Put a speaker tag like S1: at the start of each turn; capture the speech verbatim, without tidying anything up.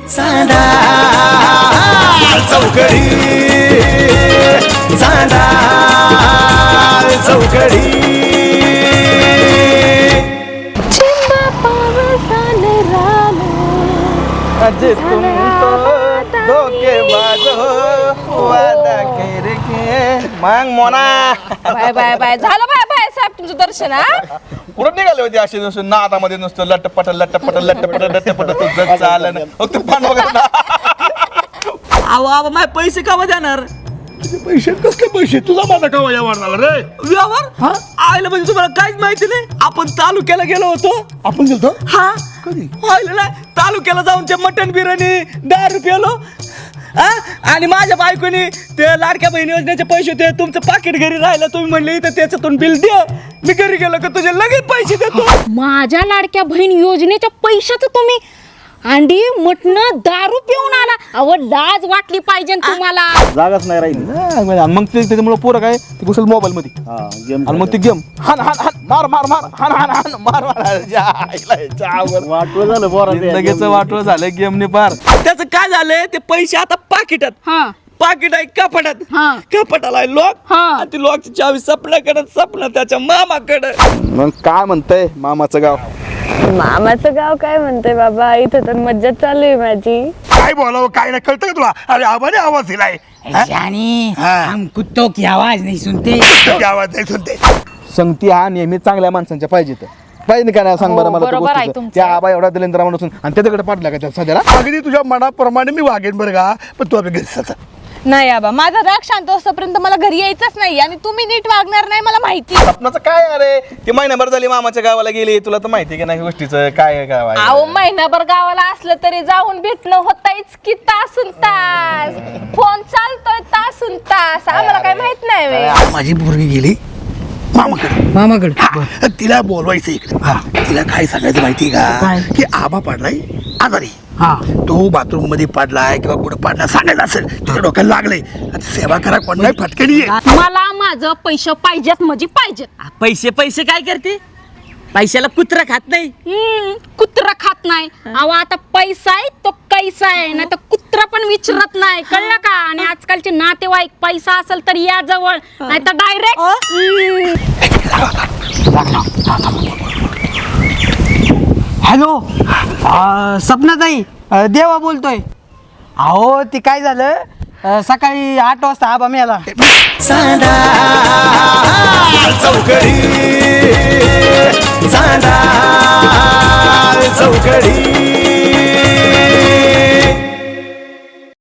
S1: चांदा चौकडी चांदा चौकडी
S2: चिंबा पावसान राम
S3: अजे तुम तो धोकेबाज हो वादा करके मग मोना
S2: बाय बाय बाय झालं बाय बाय साहेब तुमचं दर्शन हा
S3: कुठं निघाले होते असे नुसतं नादामध्ये नुसतं लटपट लटपट लटपट लटपट तुझं चालन ते पान वगैरे
S4: अहो आबा माझे पैसे का देणार
S1: पैसे कसले पैसे तुझा माझा का व्यवहार झाला रे
S4: व्यवहार आयला म्हणजे तुम्हाला काहीच माहिती नाही आपण तालुक्याला गेलो होतो
S1: आपण गेलतो
S4: हा
S1: कधी
S4: आयला नाही तालुक्याला जाऊन ते मटन बिर्याणी दारू प्यालो हा आणि माझ्या बायकोनी ते लाडक्या बहीण योजनेचे पैसे होते तुमचं पाकिट घरी राहिलं तुम्ही म्हणले इथं त्याच्यातून बिल दे मी घरी गेलो का तुझे लगेच पैसे देतो
S2: माझ्या लाडक्या बहीण योजनेच्या पैशाचं तुम्ही अंडी मटण दारू पिऊन आला अहो लाज वाटली पाहिजे तुम्हाला
S3: जागाच नाही राहिली मग ते त्याच्यामुळे पोरं काय ते घुसल मोबाईल मध्ये आणि मग ते गेम हान हान हान मार मार मार हान हान हान मार मार वाटवं झालं पोरा लगेच वाटवं झालं गेमने पार
S4: त्याचं काय झालंय ते पैसे आता पाकिटात
S2: हा
S4: पाकिट आहे कपाटात
S2: हा.
S4: कपाटाला आहे लॉक
S2: हा.
S4: आणि ती लॉकची चावी सपनाकडे सपना त्याच्या मामाकडे
S3: मग काय म्हणतंय मामाचं गाव
S5: मामाचं गाव काय म्हणते बाबा इथं तर मज्जा चालू आहे माझी
S1: काय बोलावं काय नाही कळतं का तुला अरे आवाने आवाज दिलाय
S6: जानी
S1: हाँ।
S6: हम कुत्तों की आवाज नहीं सुनते
S1: तो आवाज नाही सुनते
S3: संगती हा नेहमी चांगल्या माणसांच्या पाहिजे पाहिजे का नाही सांग बरं मला त्या
S2: बरोबर आहे
S3: गोष्टीचं.
S2: तुमचं.
S3: त्या आबा एवढा दिलेंद्र म्हणून आणि त्याच्याकडे पाडला का त्या सध्याला
S1: अगदी तुझ्या मनाप्रमाणे मी वागेन बरं का पण तू आपल्या घरी जा.
S5: नाही बाबा माझा राग शांत असतोपर्यंत मला घरी यायचंच नाही आणि तुम्ही नीट वागणार नाही मला माहिती
S3: स्वप्नाचं काय अरे ते महिनाभर झाली मामाच्या गावाला गेली तुला तर माहिती की नाही गोष्टीचं काय गाव आहे
S2: अहो महिनाभर गावाला असलं तरी जाऊन भेटणं होतायच की तासून तास फोन चालतोय तासून तास आम्हाला काय माहित नाही व्हय.
S1: माझी पोरगी गेली मामाकडे
S6: मामाकडे
S1: हा, तिला बोलवायचं इकडे तिला काय सांगायचं माहिती का की आबा पाडलाय आजारी
S6: हा
S1: तो बाथरूम मध्ये पडलाय किंवा कुठं पडला सांगायचं असेल तुझ्या डोक्याला लागले सेवा करा कोण नाही फटकडी आहे
S2: मला माझं पैसे पाहिजेत म्हणजे पाहिजेत
S4: पैसे पैसे काय करते पैशाला कुत्रा खात नाही
S2: हम्म, कुत्रा खात नाही अहो आता पैसा आहे तो कैसा आहे नाही तर कुत्रा पण विचारत नाही कळलं का आणि आजकालचे नातेवाईक पैसा असेल तर या जवळ नाही तर डायरेक्ट
S6: हॅलो सपनाताई अ, देवा बोलतोय अहो ती काय झालं अ, सकाळी आठ वाजता आबा मेला
S1: चांदा चौकडी चांदा चौकडी